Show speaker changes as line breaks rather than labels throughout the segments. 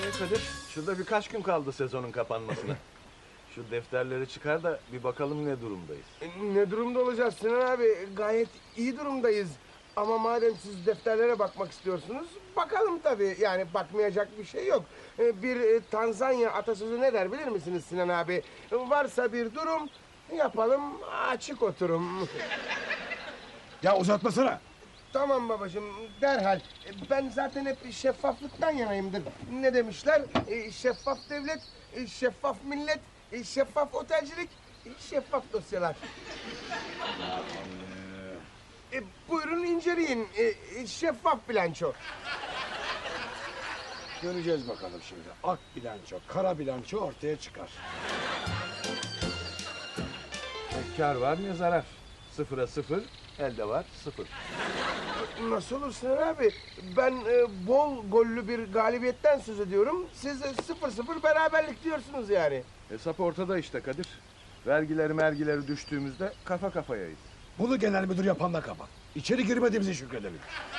Kadir, şurada birkaç gün kaldı sezonun kapanmasına. Şu defterleri çıkar da bir bakalım ne durumdayız.
Ne durumda olacağız Sinan abi? Gayet iyi durumdayız. Ama madem siz defterlere bakmak istiyorsunuz, bakalım tabii. Yani bakmayacak bir şey yok. Bir Tanzanya atasözü ne der bilir misiniz Sinan abi? Varsa bir durum, yapalım açık oturum.
Ya uzatmasana.
Tamam babacığım, derhal. Ben zaten hep şeffaflıktan yanayımdır. Ne demişler? Şeffaf devlet, şeffaf millet, şeffaf otelcilik, şeffaf dosyalar. Buyurun inceleyin. Şeffaf bilanço.
Göreceğiz bakalım şimdi. Ak bilanço, kara bilanço ortaya çıkar.
Ne kar var ne zarar. Sıfıra sıfır, elde var sıfır.
Nasıl olur Sinan abi? Ben bol gollü bir galibiyetten söz ediyorum. Siz 0-0 beraberlik diyorsunuz yani.
Hesap ortada işte Kadir. Vergileri düştüğümüzde kafa kafayayız.
Bunu genel müdür yapanla kapat. İçeri girmediğimizi şükredelim.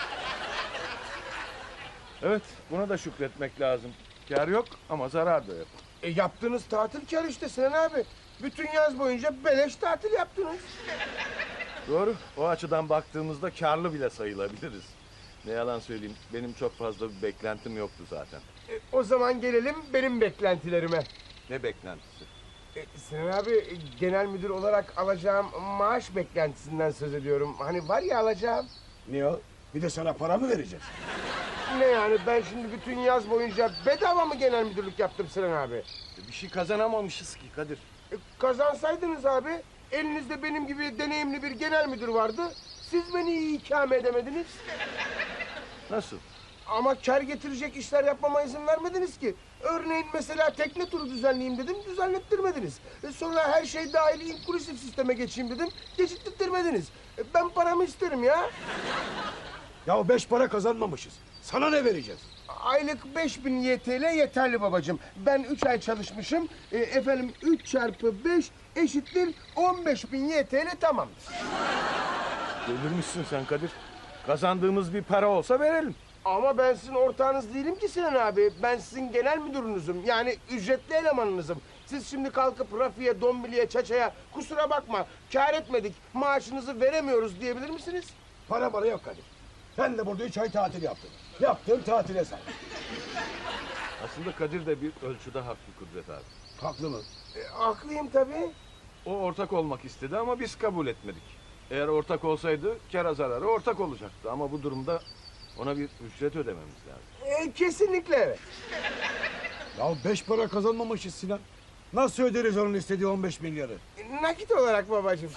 Evet, buna da şükretmek lazım. Kar yok ama zarar da yok.
Yaptığınız tatil kar işte Sinan abi. Bütün yaz boyunca beleş tatil yaptınız.
Doğru, o açıdan baktığımızda karlı bile sayılabiliriz. Ne yalan söyleyeyim, benim çok fazla bir beklentim yoktu zaten.
O zaman gelelim benim beklentilerime.
Ne beklentisi?
Sinan abi, genel müdür olarak alacağım maaş beklentisinden söz ediyorum. Hani var ya alacağım.
Niye o? Bir de sana para mı vereceğiz?
Ne yani, ben şimdi bütün yaz boyunca bedava mı genel müdürlük yaptım Sinan abi?
Bir şey kazanamamışız ki Kadir.
Kazansaydınız abi, elinizde benim gibi deneyimli bir genel müdür vardı. Siz beni iyi ikame edemediniz.
Nasıl?
Ama kar getirecek işler yapmama izin vermediniz ki. Örneğin mesela tekne turu düzenleyeyim dedim, düzenlettirmediniz. Sonra her şey dahil inklusif sisteme geçeyim dedim, geçittirmediniz. Ben paramı isterim ya.
Ya 5 para kazanmamışız. Sana ne vereceğiz?
Aylık 5000 YTL yeterli babacığım. Ben 3 ay çalışmışım. Efendim 3 çarpı 5 eşittir 15.000 YTL tamamdır.
Delirmişsin sen Kadir. Kazandığımız bir para olsa verelim.
Ama ben sizin ortağınız değilim ki Sinan abi. Ben sizin genel müdürünüzüm. Yani ücretli elemanınızım. Siz şimdi kalkıp Rafi'ye, Dombili'ye, Çaça'ya kusura bakma kâr etmedik, maaşınızı veremiyoruz diyebilir misiniz?
Para yok Kadir. Sen de burada 3 ay tatil yaptın. Yaptığın tatile say.
Aslında Kadir de bir ölçüde haklı Kudret abi.
Haklı mı?
Haklıyım tabii.
O ortak olmak istedi ama biz kabul etmedik. Eğer ortak olsaydı kâra zararı ortak olacaktı. Ama bu durumda ona bir ücret ödememiz lazım.
Kesinlikle evet.
Ya 5 para kazanmamışız Sinan. Nasıl öderiz onun istediği 15 milyarı?
Nakit olarak babacığım.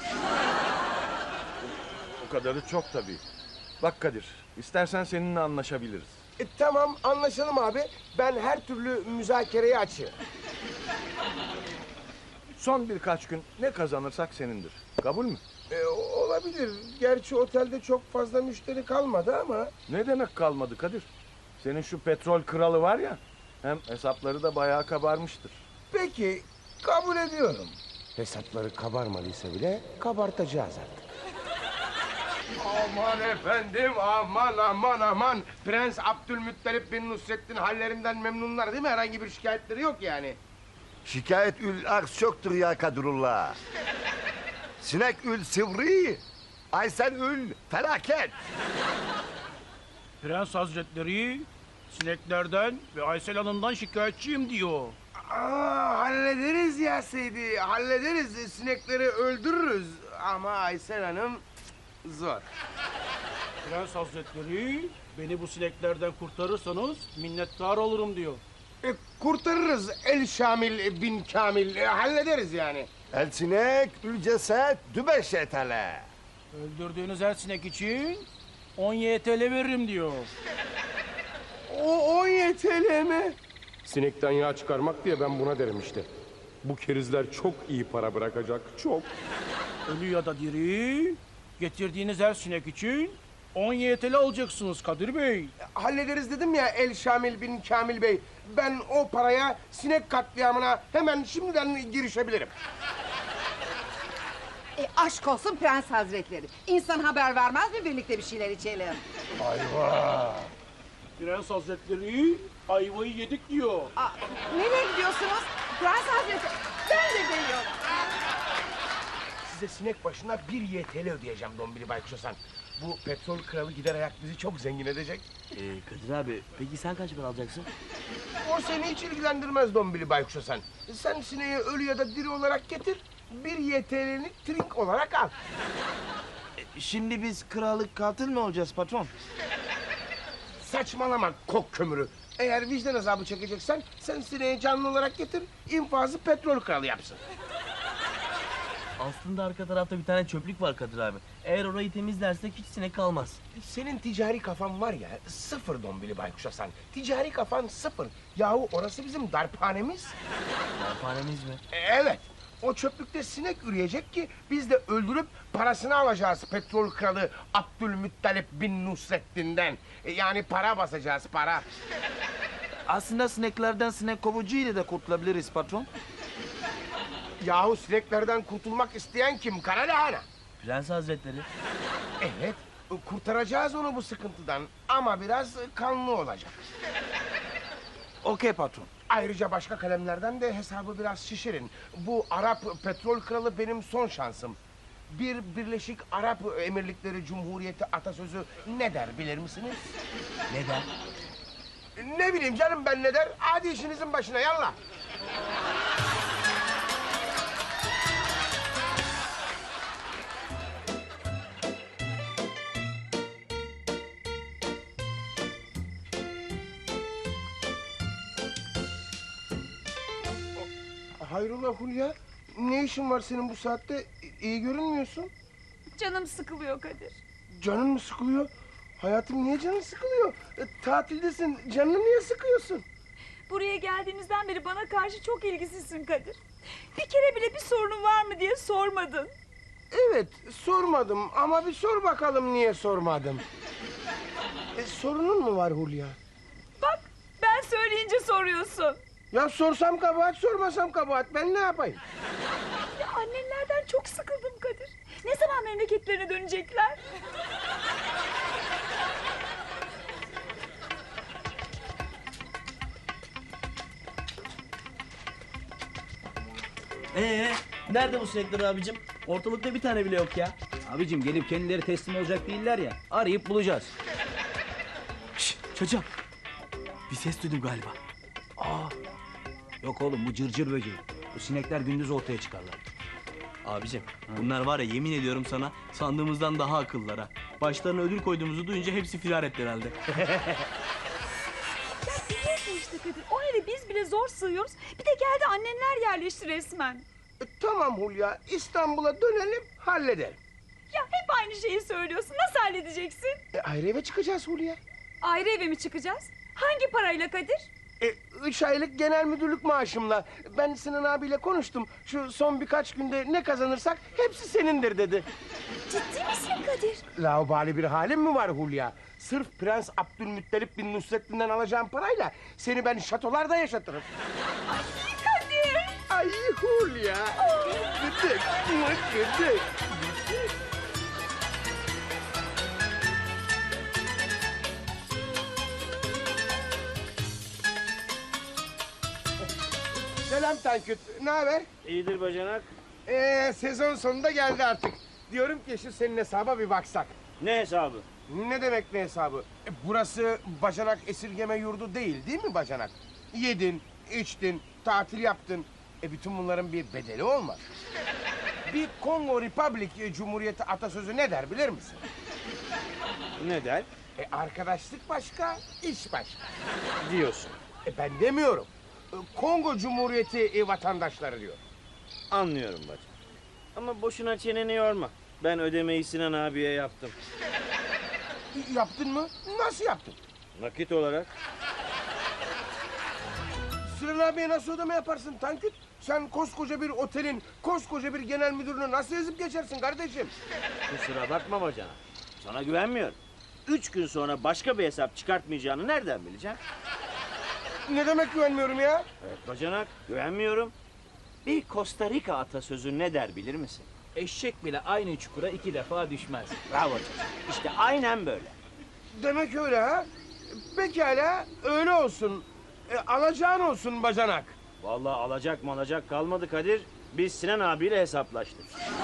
O kadarı çok tabii. Bak Kadir, istersen seninle anlaşabiliriz.
Tamam, anlaşalım abi. Ben her türlü müzakereye açığım.
Son birkaç gün ne kazanırsak senindir. Kabul mü?
Olabilir. Gerçi otelde çok fazla müşteri kalmadı ama...
Ne demek kalmadı Kadir? Senin şu petrol kralı var ya, hem hesapları da bayağı kabarmıştır.
Peki, kabul ediyorum. Hesapları kabarmadıysa bile kabartacağız artık. Aman efendim, aman. Prens Abdülmuttalip bin Nusrettin hallerinden memnunlar değil mi? Herhangi bir şikayetleri yok yani.
Şikayet ül aks çoktur ya Kadrullah. Sinek ül sivri, Aysel ül felaket.
Prens Hazretleri sineklerden ve Aysel Hanım'dan şikayetçiyim diyor.
Hallederiz ya Seydi, hallederiz. Sinekleri öldürürüz. Ama Aysel Hanım zor.
Prens Hazretleri beni bu sineklerden kurtarırsanız minnettar olurum diyor.
Kurtarırız El Şamil bin Kamil, hallederiz yani.
El sinek ül ceset dübeşetele.
Öldürdüğünüz her sinek için 10 YTL veririm diyor.
O 10 YTL mi?
Sinekten yağ çıkarmak diye ben buna derim işte. Bu kerizler çok iyi para bırakacak, çok.
Ölü ya da diri getirdiğiniz her sinek için 10 YTL alacaksınız Kadir Bey.
Hallederiz dedim ya El Şamil bin Kamil Bey. Ben o paraya sinek katliamına hemen şimdiden girişebilirim.
Aşk olsun Prens Hazretleri. İnsan haber vermez mi birlikte bir şeyler içelim?
Ayva!
Prens Hazretleri ayvayı yedik diyor.
Aa, nereye gidiyorsunuz? Prens Hazretleri, ben de geliyorum.
Size sinek başına 1 YTL ödeyeceğim Dombili Baykuş Hasan. Bu petrol kralı gider ayak bizi çok zengin edecek.
Kadir abi peki sen kaç para alacaksın?
O seni hiç ilgilendirmez Dombili Baykuş Hasan. Sen sineği ölü ya da diri olarak getir. 1 YTL'ni trink olarak al.
Şimdi biz krallık katil mi olacağız patron?
Saçmalama kok kömürü. Eğer vicdan azabı çekeceksen sen sineği canlı olarak getir. İnfazı petrol kralı yapsın.
Aslında arka tarafta bir tane çöplük var Kadir abi. Eğer orayı temizlersek hiç sinek kalmaz.
Senin ticari kafan var ya, sıfır Dombili Baykuş Hasan. Ticari kafan sıfır. Yahu orası bizim darphanemiz.
Darphanemiz mi?
Evet. O çöplükte sinek üreyecek ki biz de öldürüp parasını alacağız petrol kralı Abdülmuttalip bin Nusrettin'den. Yani para basacağız, para.
Aslında sineklerden sinek kovucu ile de kurtulabiliriz patron.
Yahu sineklerden kurtulmak isteyen kim? Kara lahana.
Prens Hazretleri.
Evet, kurtaracağız onu bu sıkıntıdan ama biraz kanlı olacak.
Okey patron.
Ayrıca başka kalemlerden de hesabı biraz şişirin. Bu Arap petrol kralı benim son şansım. Birleşik Arap Emirlikleri Cumhuriyeti atasözü ne der bilir misiniz?
Ne der?
Ne bileyim canım ben ne der? Hadi işinizin başına yallah. Hayrola Hulya? Ne işin var senin bu saatte? İyi görünmüyorsun.
Canım sıkılıyor Kadir.
Canın mı sıkılıyor? Hayatım niye canın sıkılıyor? Tatildesin. Canını niye sıkıyorsun?
Buraya geldiğimizden beri bana karşı çok ilgisizsin Kadir. Bir kere bile bir sorunun var mı diye sormadın.
Evet, sormadım ama bir sor bakalım niye sormadım. Sorunun mu var Hulya?
Bak ben söyleyince soruyorsun.
Ya sorsam kabahat, sormasam kabahat. Ben ne yapayım?
Ya annenlerden çok sıkıldım Kadir. Ne zaman memleketlerine dönecekler?
Nerede bu sinekler abicim? Ortalıkta bir tane bile yok ya.
Abicim gelip kendileri teslim olacak değiller ya. Arayıp bulacağız.
Şşş çocuğum. Bir ses duydum galiba.
Yok oğlum bu cırcır böceği. Bu sinekler gündüz ortaya çıkarlar.
Abicim bunlar var ya yemin ediyorum sana sandığımızdan daha akıllılar ha. Başlarına ödül koyduğumuzu duyunca hepsi firar etti herhalde.
Ya biliyorsun işte Kadir. O eve biz bile zor sığıyoruz. Bir de geldi annenler yerleşti resmen.
Tamam Hulya, İstanbul'a dönelim, halledelim.
Ya hep aynı şeyi söylüyorsun. Nasıl halledeceksin?
Ayrı eve çıkacağız Hulya.
Ayrı eve mi çıkacağız? Hangi parayla Kadir?
3 aylık genel müdürlük maaşımla. Ben Sinan abiyle konuştum. Şu son birkaç günde ne kazanırsak hepsi senindir dedi.
Ciddi misin Kadir?
Laubali bir halim mi var Hulya? Sırf Prens Abdülmuttalip bin Nusrettin'den alacağım parayla seni ben şatolarda yaşatırım.
Kadir!
Ay Hulya. Gıdık, gıdık. Selam Tanküt, ne haber?
İyidir bacanak.
Sezon sonunda geldi artık. Diyorum ki şu senin hesaba bir baksak.
Ne hesabı?
Ne demek ne hesabı? Burası bacanak esirgeme yurdu değil mi bacanak? Yedin, içtin, tatil yaptın. Bütün bunların bir bedeli olmaz. Bir Kongo Republic Cumhuriyeti atasözü ne der bilir misin?
Ne der?
Arkadaşlık başka, iş başka.
Diyorsun.
Ben demiyorum. Kongo Cumhuriyeti vatandaşları diyor.
Anlıyorum bacım. Ama boşuna çeneni yorma. Ben ödemeyi Sinan abiye yaptım.
Yaptın mı? Nasıl yaptın?
Nakit olarak.
Sinan abiye nasıl ödeme yaparsın Tanküt? Sen koskoca bir otelin, koskoca bir genel müdürünü nasıl ezip geçersin kardeşim?
Kusura bakma bacana. Sana güvenmiyorum. 3 gün sonra başka bir hesap çıkartmayacağını nereden bileceğim?
Ne demek güvenmiyorum ya?
Evet bacanak, güvenmiyorum. Bir Costa Rica atasözü ne der bilir misin?
Eşek bile aynı çukura 2 defa düşmez.
Bravo canım. İşte aynen böyle.
Demek öyle ha? Pekala öyle olsun. Alacağın olsun bacanak.
Vallahi alacak malacak kalmadı Kadir. Biz Sinan abiyle hesaplaştık.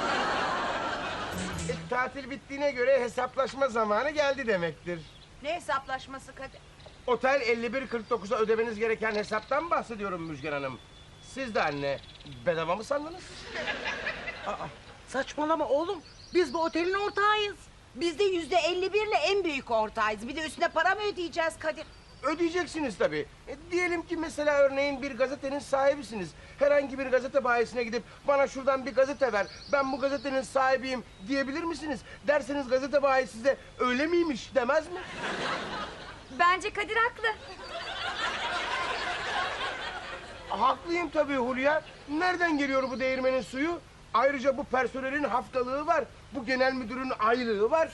Tatil bittiğine göre hesaplaşma zamanı geldi demektir.
Ne hesaplaşması Kadir?
Otel 51.49'a ödemeniz gereken hesaptan bahsediyorum Müjgan Hanım. Siz de anne, bedava mı sandınız?
Saçmalama oğlum. Biz bu otelin ortağıyız.
Biz de %51'le en büyük ortağıyız. Bir de üstüne para mı ödeyeceğiz Kadir?
Ödeyeceksiniz tabii. Diyelim ki mesela örneğin bir gazetenin sahibisiniz. Herhangi bir gazete bayisine gidip bana şuradan bir gazete ver, ben bu gazetenin sahibiyim diyebilir misiniz? Derseniz gazete bayisi size öyle miymiş demez mi?
Bence Kadir haklı.
Haklıyım tabii Hulya. Nereden geliyor bu değirmenin suyu? Ayrıca bu personelin haftalığı var. Bu genel müdürün aylığı var.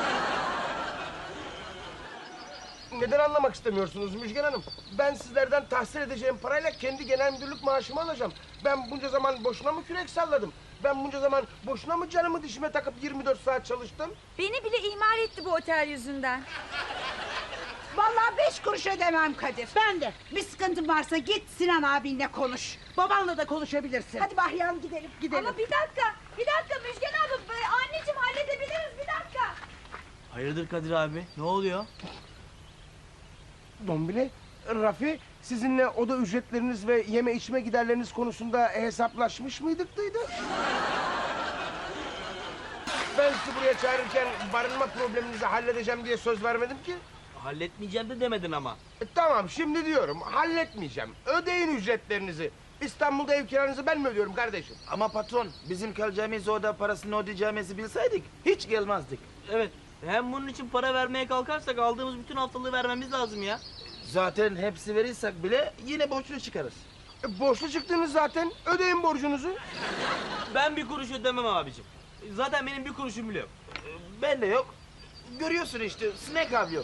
Neden anlamak istemiyorsunuz Müjgan Hanım? Ben sizlerden tahsil edeceğim parayla kendi genel müdürlük maaşımı alacağım. Ben bunca zaman boşuna mı kürek salladım? Ben bunca zaman boşuna mı canımı dişime takıp 24 saat çalıştım?
Beni bile ihmal etti bu otel yüzünden.
Vallahi 5 kuruş ödemem Kadir. Ben de. Bir sıkıntın varsa git Sinan abinle konuş. Babanla da konuşabilirsin.
Hadi Bahriye Hanım gidelim.
Gidelim.
Ama bir dakika Müjgan abla. Anneciğim halledebiliriz bir dakika.
Hayırdır Kadir abi? Ne oluyor?
Dombile, Rafi, sizinle oda ücretleriniz ve yeme içme giderleriniz konusunda hesaplaşmış mıydık dıydı? Ben sizi buraya çağırırken barınma probleminizi halledeceğim diye söz vermedim ki.
Halletmeyeceğim de demedin ama.
Tamam, şimdi diyorum, halletmeyeceğim. Ödeyin ücretlerinizi. İstanbul'da ev kiranızı ben mi ödüyorum kardeşim?
Ama patron, bizim kalacağımız oda parasını ödeyeceğimizi bilseydik hiç gelmezdik.
Evet. Hem bunun için para vermeye kalkarsak aldığımız bütün haftalığı vermemiz lazım ya.
Zaten hepsi verirsek bile yine borçlu çıkarız.
Borçlu çıktınız zaten, ödeyin borcunuzu.
Ben bir kuruş ödemem abicim. Zaten benim bir kuruşum bile yok.
Ben de yok. Görüyorsun işte, sinek avlıyor.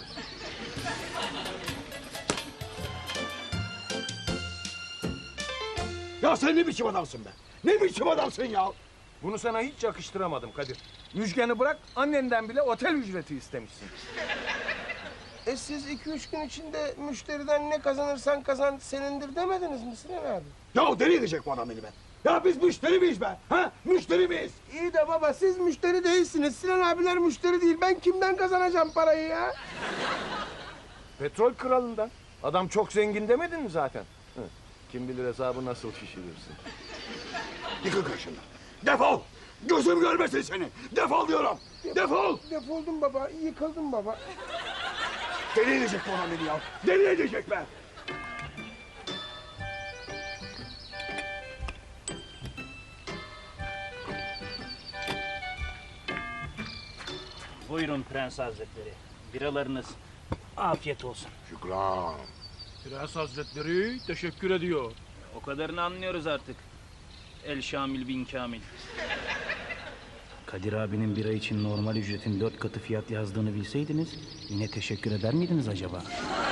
Ya sen ne biçim adamsın be? Ne biçim adamsın ya?
Bunu sana hiç yakıştıramadım Kadir. Müjgan'ı bırak, annenden bile otel ücreti istemişsin.
Siz 2-3 gün içinde müşteriden ne kazanırsan kazan senindir demediniz mi Sinan abi?
Ya deli edecek bu adam beni be. Ya biz müşteri miyiz be? Ha? Müşteri miyiz?
İyi de baba siz müşteri değilsiniz. Sinan abiler müşteri değil. Ben kimden kazanacağım parayı ya?
Petrol kralından. Adam çok zengin demedin mi zaten? Hı. Kim bilir hesabı nasıl şişirirsin.
Yıkıl karşımdan. Defol! Gözüm görmesin seni. Defol diyorum. Defol!
Defoldum baba. Yıkıldım baba.
Deli edecek bu adam beni ya. Deli edecek be.
Buyurun Prens Hazretleri. Biralarınız. Afiyet olsun.
Şükran.
Prens Hazretleri teşekkür ediyor.
O kadarını anlıyoruz artık. El Şamil bin Kamil. Kadir abinin bira için normal ücretin 4 katı fiyat yazdığını bilseydiniz yine teşekkür eder miydiniz acaba?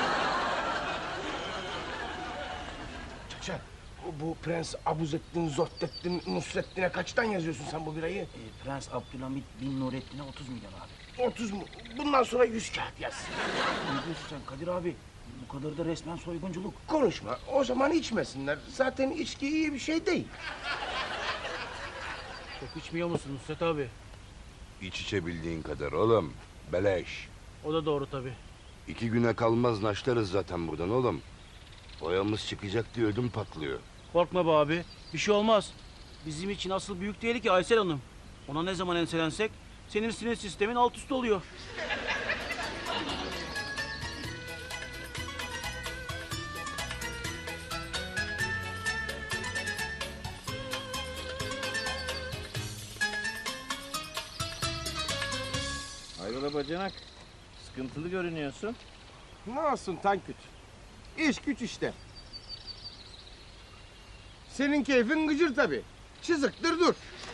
Çaça, bu Prens Abuzettin, Zohdettin, Nusrettin'e kaçtan yazıyorsun sen bu birayı?
Prens Abdülhamit bin Nurettin'e 30 milyon abi.
30 mu? Bundan sonra 100 kağıt yaz.
Ne diyorsun sen Kadir abi? Bu kadar da resmen soygunculuk.
Konuşma. O zaman içmesinler. Zaten içki iyi bir şey değil.
Çok içmiyor musun Nusret abi?
İç içebildiğin kadar oğlum. Beleş.
O da doğru tabii.
2 güne kalmaz naşlarız zaten buradan oğlum. Boyamız çıkacak diye ödüm patlıyor.
Korkma be abi. Bir şey olmaz. Bizim için asıl büyük tehlike Aysel Hanım. Ona ne zaman enselensek senin sinir sistemin alt üst oluyor.
Hayrola bacanak? Sıkıntılı görünüyorsun.
Ne olsun Tanküt? İş güç işte. Senin keyfin gıcır tabii. Çızıktır dur.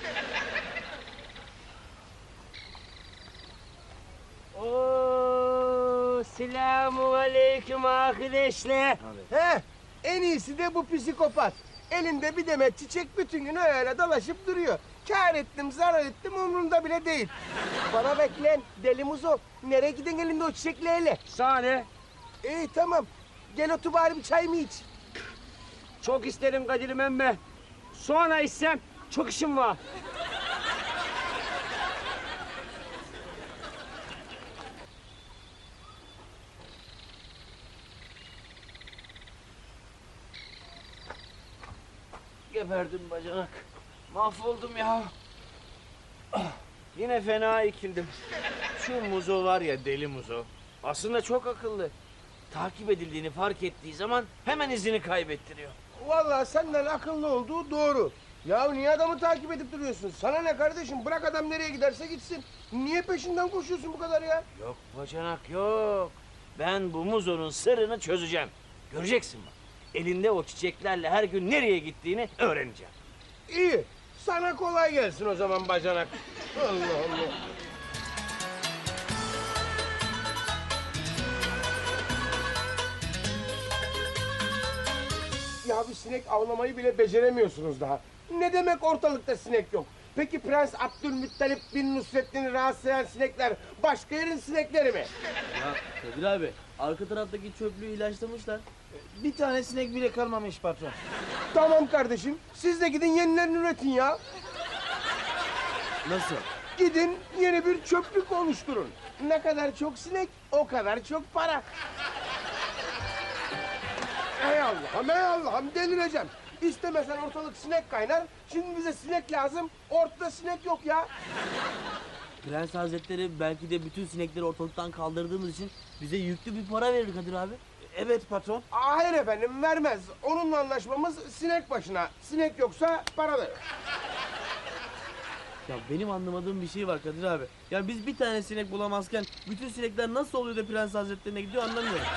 Oo, selamun aleyküm arkadaşlar.
He, en iyisi de bu psikopat. Elinde bir demet çiçek bütün gün öyle dolaşıp duruyor. Kâr ettim, zarar ettim umurumda bile değil. Bana bekleyen deli muzo. Nereye giden elinde o çiçeklerle?
Sana ne?
İyi tamam. Gel otur bari bir çay mı iç?
Çok isterim Kadir'im emme. Sonra içsem çok işim var. Geberdim bacanak. Mahvoldum ya. Yine fena ikildim. Şu Muzo var ya, deli Muzo. Aslında çok akıllı. Takip edildiğini fark ettiği zaman hemen izini kaybettiriyor.
Vallahi senden akıllı olduğu doğru. Ya niye adamı takip edip duruyorsun? Sana ne kardeşim? Bırak adam nereye giderse gitsin. Niye peşinden koşuyorsun bu kadar ya?
Yok bacanak yok. Ben bu Muzo'nun sırrını çözeceğim. Göreceksin bak. Elinde o çiçeklerle her gün nereye gittiğini öğreneceğim.
İyi. Sana kolay gelsin o zaman bacanak. Allah Allah. Ya bir sinek avlamayı bile beceremiyorsunuz daha. Ne demek ortalıkta sinek yok? Peki Prens Abdülmuttalip bin Nusrettin'i rahatsız eden sinekler başka yerin sinekleri mi?
Ya Kadir abi, arka taraftaki çöplüğü ilaçlamışlar.
Bir tane sinek bile kalmamış patron.
Tamam kardeşim, siz de gidin yenilerini üretin ya.
Nasıl?
Gidin yeni bir çöplük oluşturun. Ne kadar çok sinek, o kadar çok para. Ey Allah'ım, ey Allah'ım delireceğim. İstemesen ortalık sinek kaynar. Şimdi bize sinek lazım. Ortada sinek yok ya.
Prens Hazretleri belki de bütün sinekleri ortalıktan kaldırdığımız için bize yüklü bir para verir Kadir abi.
Evet patron.
Hayır efendim vermez. Onunla anlaşmamız sinek başına. Sinek yoksa para verir.
Ya benim anlamadığım bir şey var Kadir abi. Ya biz bir tane sinek bulamazken bütün sinekler nasıl oluyor da Prens Hazretlerine gidiyor anlamıyorum.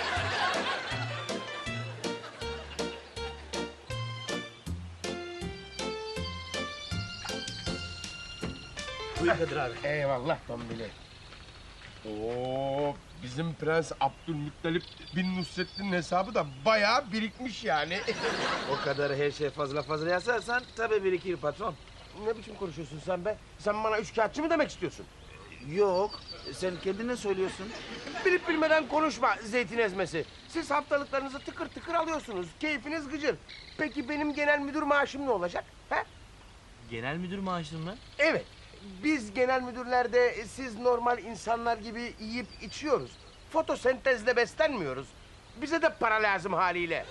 Buyur Kadir abi. Eyvallah Tombili. Oo, bizim Prens Abdülmuttalip bin Nusrettin'in hesabı da bayağı birikmiş yani.
O kadar her şey fazla yazarsan tabii birikir patron.
Ne biçim konuşuyorsun sen be? Sen bana üçkağıtçı mı demek istiyorsun?
Yok, sen kendine söylüyorsun.
Bilip bilmeden konuşma zeytin ezmesi. Siz haftalıklarınızı tıkır tıkır alıyorsunuz. Keyfiniz gıcır. Peki benim genel müdür maaşım ne olacak? He?
Genel müdür maaşını mı?
Evet. Biz genel müdürlerde siz normal insanlar gibi yiyip içiyoruz. Fotosentezle beslenmiyoruz. Bize de para lazım haliyle.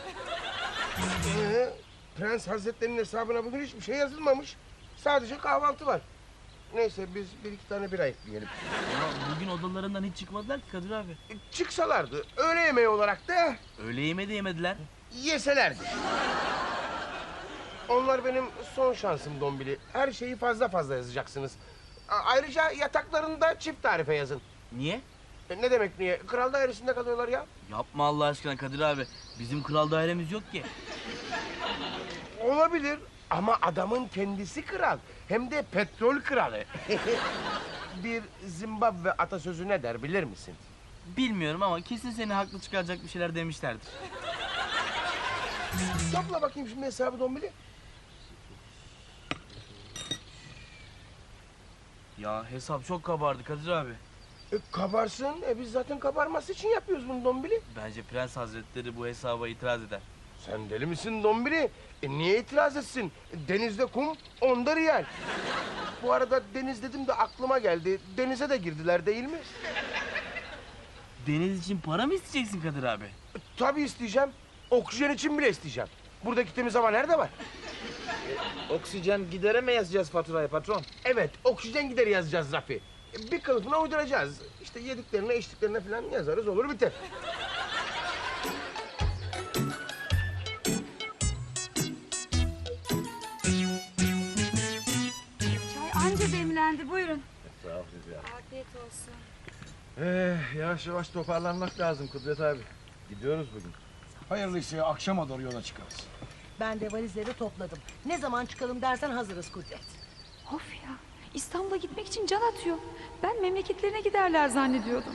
Prens Hazretleri'nin hesabına bugün hiçbir şey yazılmamış. Sadece kahvaltı var. Neyse biz bir iki tane bira ekleyelim.
Ama bugün odalarından hiç çıkmadılar ki Kadir abi.
Çıksalardı öğle yemeği olarak da
Öğle yemeği de yemediler.
yeselerdi. Onlar benim son şansım Dombili. Her şeyi fazla fazla yazacaksınız. Ayrıca yataklarını da çift tarife yazın.
Niye?
Ne demek niye? Kral dairesinde kalıyorlar ya.
Yapma Allah aşkına Kadir abi. Bizim kral dairemiz yok ki.
Olabilir ama adamın kendisi kral. Hem de petrol kralı. Bir Zimbabwe atasözü ne der bilir misin?
Bilmiyorum ama kesin seni haklı çıkaracak bir şeyler demişlerdir.
Topla bakayım şimdi hesabı Dombili.
Ya hesap çok kabardı Kadir abi.
Kabarsın. Biz zaten kabarması için yapıyoruz bunu Dombili.
Bence Prens Hazretleri bu hesaba itiraz eder.
Sen deli misin Dombili? Niye itiraz etsin? Denizde kum, onda riyal. Bu arada deniz dedim de aklıma geldi. Denize de girdiler değil mi?
Deniz için para mı isteyeceksin Kadir abi?
Tabii isteyeceğim. Oksijen için bile isteyeceğim. Buradaki temiz hava nerede var?
Oksijen gidere mi yazacağız faturayı patron?
Evet, oksijen gideri yazacağız Rafi. Bir kılıfına uyduracağız. İşte yediklerine, içtiklerine falan yazarız, olur biter.
Çay anca demlendi buyurun.
Sağ ol Hülya.
Afiyet olsun.
Yavaş yavaş toparlanmak lazım Kudret abi. Gidiyoruz bugün.
Hayırlıysa akşama doğru yola çıkarız.
Ben de valizleri topladım. Ne zaman çıkalım dersen hazırız Kudret.
Of ya, İstanbul'a gitmek için can atıyor. Ben memleketlerine giderler zannediyordum.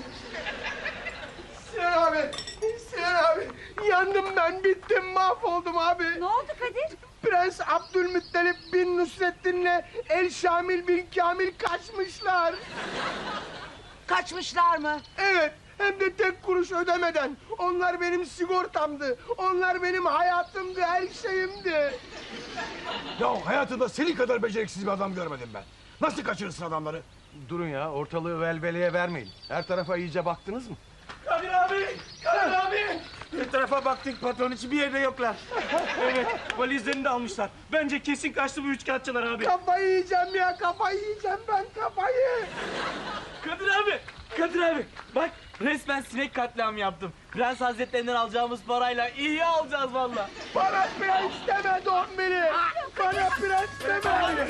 Sinan abi, Sinan abi. Yandım ben, bittim, mahvoldum abi.
Ne oldu Kadir?
Prens Abdülmuttalip bin Nusrettin'le El Şamil bin Kamil kaçmışlar.
Kaçmışlar mı?
Evet, Hem de tek kuruş ödemeden. Onlar benim sigortamdı. Onlar benim hayatımdı, her şeyimdi.
Ya hayatımda senin kadar beceriksiz bir adam görmedim ben. Nasıl kaçırırsın adamları?
Durun ya, ortalığı velveleye vermeyin. Her tarafa iyice baktınız mı?
Kadir abi! Kadir abi! Bir tarafa baktık patron hiç bir yerde yoklar.
Evet, valizlerini de almışlar. Bence kesin kaçtı bu üçkağıtçılar abi.
Kafayı yiyeceğim ya, kafayı yiyeceğim ben, kafayı.
Kadir abi bak resmen sinek katliamı yaptım. Prens Hazretlerinden alacağımız parayla iyi alacağız valla.
Bana prens deme Dombili. Bana prens deme.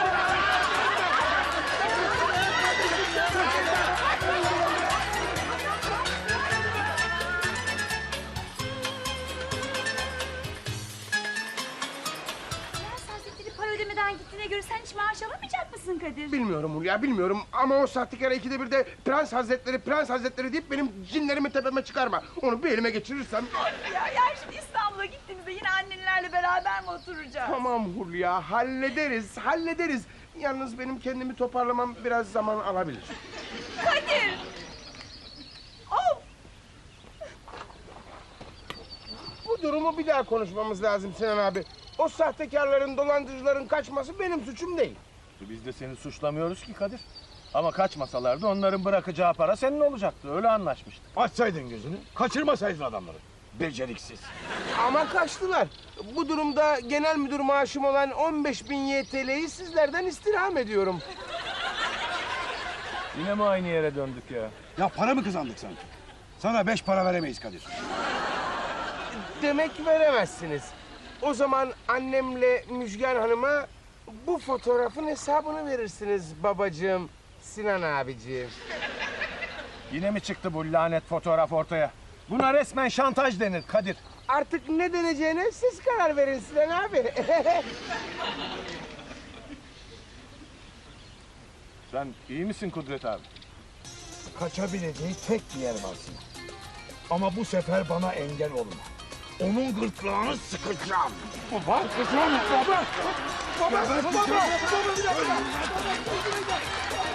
Prens Hazretleri para ödemeden gittiğine göre sen hiç maaş alamayacak mısın Kadir?
Bilmiyorum Hulya, bilmiyorum. Ama o sahtekar ikide bir de prens hazretleri deyip benim cinlerimi tepeme çıkarma. Onu bir elime geçirirsem...
Ya şimdi İstanbul'a gittiğimizde yine annenlerle beraber mi oturacağız?
Tamam Hulya, hallederiz. Yalnız benim kendimi toparlamam biraz zaman alabilir.
Kadir! Of!
Bu durumu bir daha konuşmamız lazım Sinan abi. O sahtekarların, dolandırıcıların kaçması benim suçum değil.
Biz de seni suçlamıyoruz ki Kadir. Ama kaçmasalardı onların bırakacağı para senin olacaktı. Öyle anlaşmıştık.
Açsaydın gözünü, kaçırmasaydın adamları. Beceriksiz.
Ama kaçtılar. Bu durumda genel müdür maaşım olan 15.000 YTL'yi sizlerden istirham ediyorum.
Yine mi aynı yere döndük ya?
Ya para mı kazandık sanki? Sana 5 para veremeyiz Kadir.
Demek veremezsiniz. O zaman annemle Müjgan Hanım'a bu fotoğrafın hesabını verirsiniz babacığım, Sinan abiciğim.
Yine mi çıktı bu lanet fotoğraf ortaya? Buna resmen şantaj denir Kadir.
Artık ne deneceğine siz karar verin Sinan abi.
Sen iyi misin Kudret abi?
Kaçabileceği tek bir yer var Sinan. Ama bu sefer bana engel olma. Onun gırtlağını sıkacağım.
Baba, kızım, baba. Baba, bir dakika.